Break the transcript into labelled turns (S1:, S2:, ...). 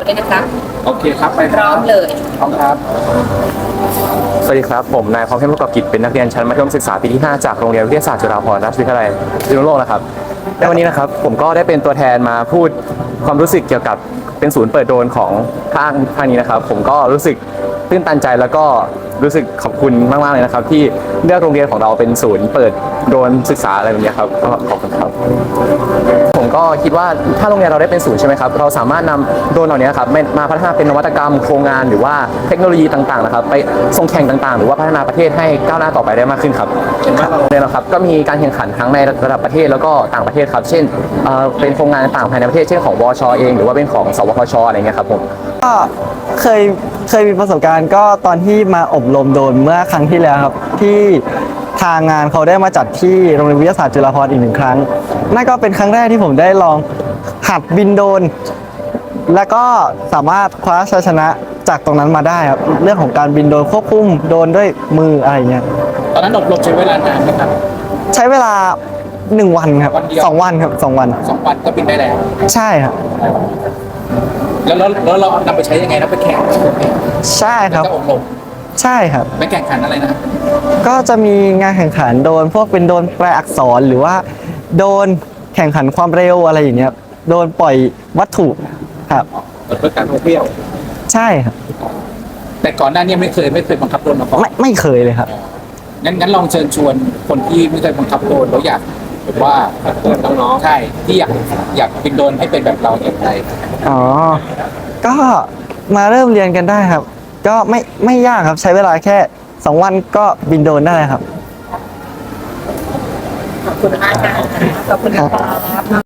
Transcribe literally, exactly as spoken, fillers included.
S1: เลยนะคะ
S2: โอเคครับไป
S1: พร้อมเลย
S2: พร้อมครับ
S3: สวัสดีครับผมนายพร้อมเข้มประกอบกิจเป็นนักเรียนชั้นมัธยมศึกษาปีที่ห้าจากโรงเรียนวิทยาศาสตร์จุฬาภรณราชวิทยาลัยพิษณุโลกนะครับและวันนี้นะครับผมก็ได้เป็นตัวแทนมาพูดความรู้สึกเกี่ยวกับเป็นศูนย์เปิดโดรนของภาคภาคนี้นะครับผมก็รู้สึกตื้นตันใจแล้วก็รู้สึกขอบคุณมากๆเลยนะครับที่เลือกโรงเรียนของเราเป็นศูนย์เปิดโดรนศึกษาอะไรแบบนี้ครับก็ขอบคุณครับผมก็คิดว่าถ้าโรงเรียนเราได้เป็นศูนย์ใช่ไหมครับเราสามารถนำโดรนเหล่านี้ครับมาพัฒนาเป็นนวัตกรรมโครงงานหรือว่าเทคโนโลยีต่างๆนะครับไปส่งแข่งต่างๆหรือว่าพัฒนาประเทศให้ก้าวหน้าต่อไปได้มากขึ้นครับเห็นไหมโรงเรียนเราครับก็มีการแข่งขันทั้งในระดับประเทศแล้วก็ต่างประเทศครับเช่นเป็นโครงงานต่างภายในประเทศเช่นของวชเองหรือว่าเป็นของสวทชอะไรเงี้ยครับผม
S4: ก็เคยเคยมีประสบการณ์ก็ตอนที่มาอบรมโดรนเมื่อครั้งที่แล้วครับที่ทางงานเขาได้มาจัดที่โรงเรียนวิทยาศาสตร์จุฬาภรณ์อีกหนึ่งครั้งนั่นก็เป็นครั้งแรกที่ผมได้ลองหัดบินโดรนและก็สามารถคว้าชัยชนะจากตรงนั้นมาได้ครับเรื่องของการบินโดรนควบคุมโดรนด้วยมืออะไรเงี้ย
S2: ตอนนั้นอบรมใช้เวลานานไหมครับ
S4: ใช้เวลาหนึ่งวันครับสองวันครับสองวัน
S2: สองวันก็บินได้แล้ว
S4: ใช่ครับ
S2: แล้วแล้วแล้วเรานำไปใช้ยังไงนะไปแข่ง
S4: ใช่ครับ
S2: อบรม
S4: ใช่ครับ
S2: ไปแข่งขันอะไรนะ
S4: ก็จะมีงานแข่งขันโดนพวกเป็นโดนแปลอักษรหรือว่าโดนแข่งขันความเร็วอะไรอย่างเงี้ยโดนปล่อยวัตถุครับ
S2: เพื่อการท่องเที่ยว
S4: ใช่ครับ
S2: แต่ก่อนหน้านี้ไม่เคยไม่เคยบังคับโดรนมาก่อน
S4: ไม่ไม่เคยเลยครับ
S2: งั้นงั้นลองเชิญชวนคนที่ไม่เคยบังคับโดรนแล้วอยากแบบว่าน้องๆใช่ที่อยากอยากบินโดรนให้เป็นแบบเราอย่างไร
S4: อ๋อก็มาเริ่มเรียนกันได้ครับก็ไม่ไม่ยากครับใช้เวลาแค่สองวันก็บินโดรนได้ครับ
S1: ขอบคุณมากค่ะขอบคุณครับ